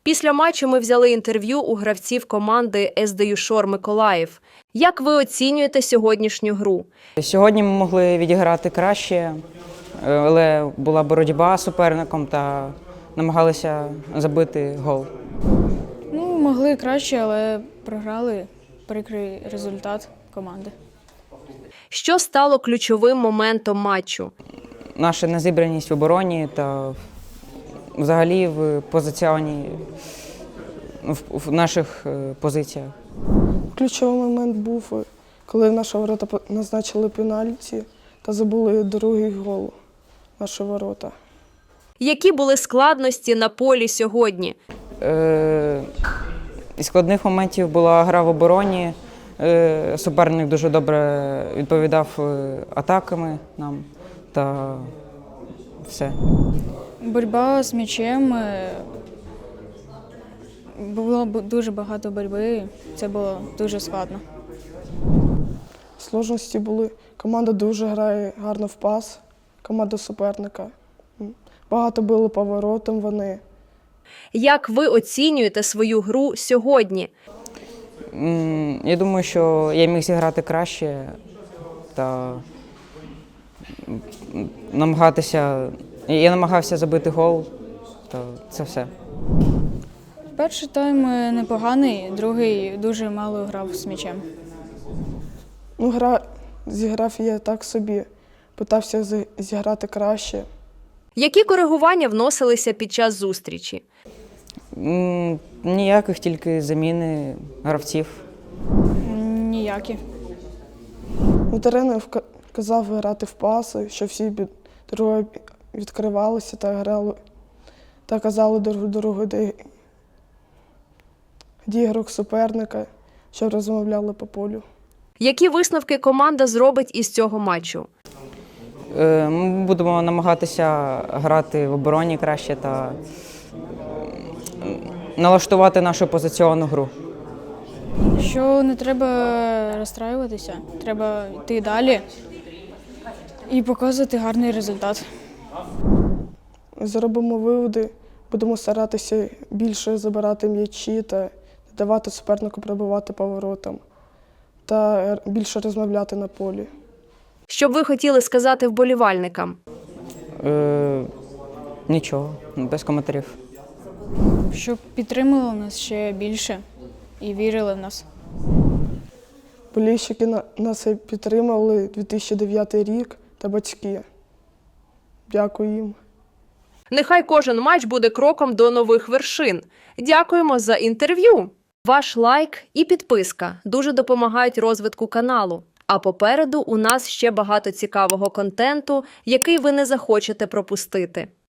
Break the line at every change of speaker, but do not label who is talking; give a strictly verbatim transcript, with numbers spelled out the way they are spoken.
Після матчу ми взяли інтерв'ю у гравців команди ес де ю Шор Миколаїв. Як ви оцінюєте сьогоднішню гру?
Сьогодні ми могли відіграти краще, але була боротьба з суперником та намагалися забити гол.
Ну, могли краще, але програли. Прикрий результат команди.
Що стало ключовим моментом матчу?
Наша незібраність в обороні та взагалі в позиціоні, в, в наших позиціях.
Ключовий момент був, коли наші ворота назначили пенальті та забули другий гол наші ворота.
Які були складності на полі сьогодні?
Е, із складних моментів була гра в обороні. Е, суперник дуже добре відповідав атаками нам та все.
Боротьба з м'ячем. Було дуже багато боротьби. Це було дуже складно.
Сложності були. Команда дуже грає гарно в пас, команда суперника. Багато били поворотом вони.
Як ви оцінюєте свою гру сьогодні?
Я думаю, що я міг зіграти краще та намагатися. Я намагався забити гол, то це все.
Перший тайм непоганий, другий дуже мало грав з м'ячем.
Ну, гра зіграв я так собі, питався зіграти краще.
Які коригування вносилися під час зустрічі?
М, Ніяких, тільки заміни гравців.
Ніякі.
Ну, тренер казав грати в паси, що всі друге відкривалися та грали, та казали друг другу, де, де ігрок суперника, щоб розмовляли по полю.
Які висновки команда зробить із цього матчу?
Е, Ми будемо намагатися грати в обороні краще та налаштувати нашу позиціонну гру.
Що не треба розстраюватися, треба йти далі і показувати гарний результат.
Зробимо виводи, будемо старатися більше забирати м'ячі та давати супернику пробивати поворотом та більше розмовляти на полі.
Що б ви хотіли сказати вболівальникам?
Е, Нічого, без коментарів.
Щоб підтримували нас ще більше і вірили в нас.
Болільщики нас підтримали дві тисячі дев'ятий рік та батьки. Дякую їм.
Нехай кожен матч буде кроком до нових вершин. Дякуємо за інтерв'ю. Ваш лайк і підписка дуже допомагають розвитку каналу. А попереду у нас ще багато цікавого контенту, який ви не захочете пропустити.